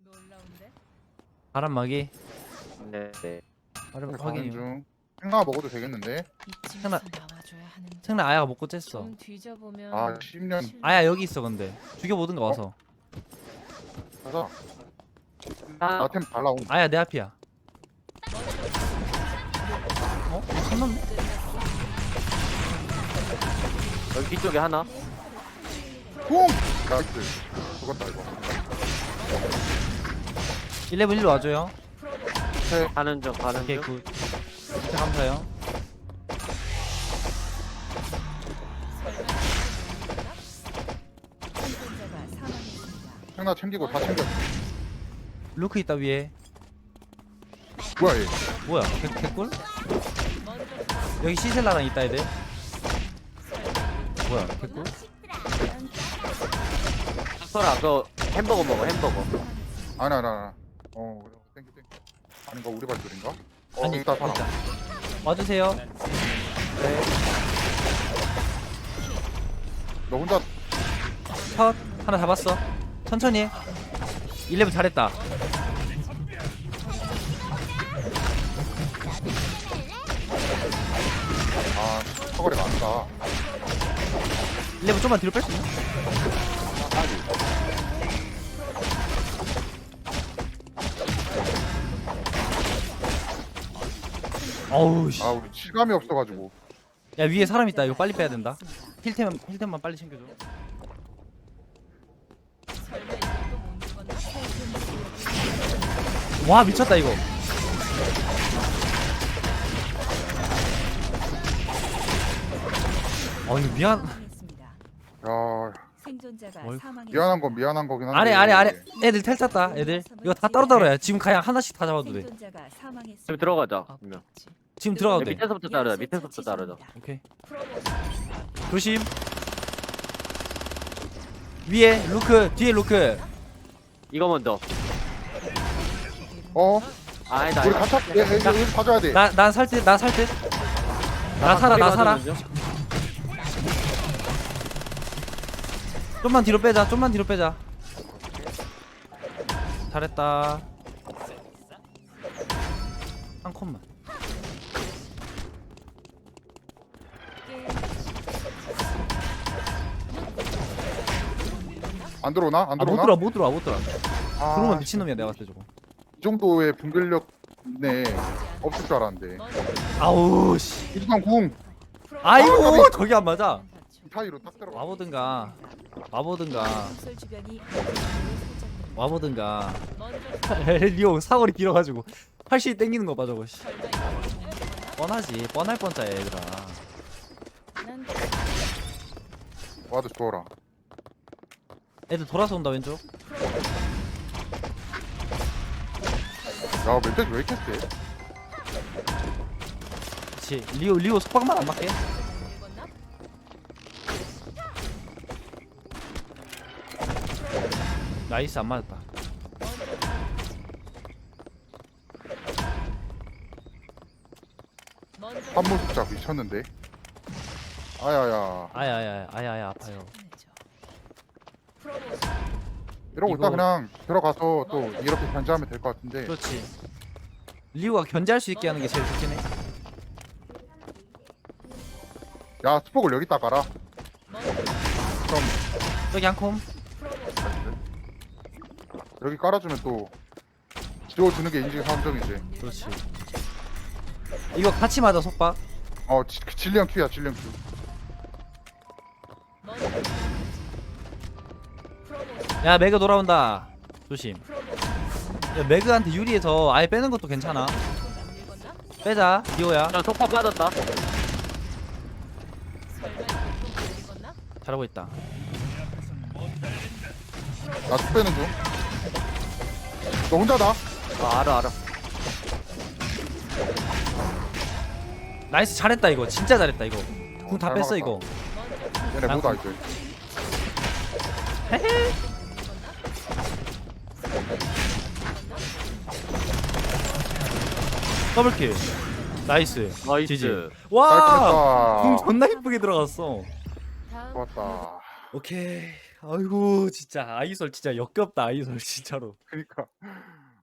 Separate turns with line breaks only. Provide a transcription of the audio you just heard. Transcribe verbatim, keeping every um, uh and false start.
놀라운데?
바람막이.
네.
바람
가는
확인이요.
중. 생강 먹어도 되겠는데?
이쯤에서 나와줘야 하는데.
생나 아야가 먹고 쬐어.
좀 뒤져보면
아 십 년
아야 여기 있어 근데. 죽여보든가 와서.
가자.
아,
나템 달라온.
아야 내 앞이야. 어? 손 넘네?
여기 뒤쪽에 하나.
쿵! 나이스. 죽었다 이거.
일레븐 일로 와줘요.
가는 중, 가는
오케이
중.
굿. 진짜 감사해요.
생존자가 사망했습니다.
생강 챙기고 다 챙겨.
루크 있다 위에.
뭐야 얘?
뭐야? 개, 개꿀? 여기 시셀라랑 있다 애들. 뭐야? 개꿀?
설아, 그 햄버거 먹어, 햄버거.
아니 아니 아니. 어 땡큐 땡큐. 아닌가 우리 발소리인가? 어
아니
일단 사람.
있다. 와주세요.
네.
너 혼자
컷 하나 잡았어. 천천히 해. 일레븐 잘했다.
아 사거리가 안 가.
일레븐 좀만 뒤로 뺄 수 있나? 어우 씨.
아 우리 실감이 없어가지고.
야 위에 사람 있다. 이거 빨리 빼야 된다. 힐템 힐템만 빨리 챙겨줘.
설마 이것도 못 죽었나?
와 미쳤다 이거. 어 이거 미안.
사망했습니다.
야
생존자가
어이구.
사망했습니다.
미안한 건 미안한 거긴 한데.
아래 아래 아래 애들 텔 탔다. 애들 이거 다 따로 따로야. 지금 그냥 하나씩 다 잡아도 돼.
생존자가 사망했습니다.
지금 들어가자. 그러면.
지금 들어가도
네,
돼.
밑에서부터 따르자, 밑에서부터 따르자.
오케이. 조심. 위에 루크 뒤에 루크.
이거 먼저.
어?
아니다,
우리
아니다.
같이 얘, 얘, 얘, 여기 봐줘야 돼.
나 난 살 듯 나 살 듯. 나 살아 나 살아. 좀만 뒤로 빼자. 좀만 뒤로 빼자. 잘했다. 한 컷만.
안 들어오나? 안
아 못
들어오나?
들어와 못 들어와 못 들어와.
아,
들어오면 미친놈이야 내가 봤을 때 저거.
이 정도의 분별력 네 없을 줄 알았는데.
아우 씨.
일단 궁
아이고 저기 안 맞아.
이 사이로 딱 들어가.
와보든가. 와보든가.
건설 주변이
와보든가.
먼저
리오 사거리 길어가지고 팔씨 땡기는 거 봐 저거. 씨. 뻔하지 뻔할 뻔짜야 얘들아.
난
와도 좋아라.
애들 돌아서 온다 왼쪽.
야 멧돼지 왜 이렇게 세?
그치 리오 리오 속박만 안 맞게.
읽었나?
나이스 안 맞았다.
먼저
한물 숫자 미쳤는데. 아야야.
아야야 아야야 아파요.
이러고
이거-
있다 그냥 들어가서 또 이렇게 견제하면 될 것 같은데.
그렇지. 리오가 견제할 수 있게 하는 게 제일 좋긴 해.
야 스폭을 여기다 깔아. 그럼
저기 한 콤.
여기 깔아주면 또 지워주는 게 인증 상정이지.
그렇지. 이거 같이 맞아 속박.
어 지, 질리언 큐야 질리언 큐.
야 매그 돌아온다. 조심. 야 매그한테 유리해서 아예 빼는 것도 괜찮아. 빼자 리오야.
자, 속파 빠졌다.
설마 이것도 읽었나?
잘하고 있다.
나툭 빼는 중. 너 혼자다.
아, 알아, 알아.
나이스 잘했다 이거. 진짜 잘했다 이거. 궁 다
잘
뺐어
막았다.
이거.
얘네
아,
뭐다 이제.
헤헤. 더블킬. 나이스.
나이스.
지지. 와. 궁
깔끔했다.
존나 이쁘게 들어갔어.
다음
좋았다.
오케이. 아이고 진짜 아이솔 진짜 역겹다 아이솔 진짜로.
그니까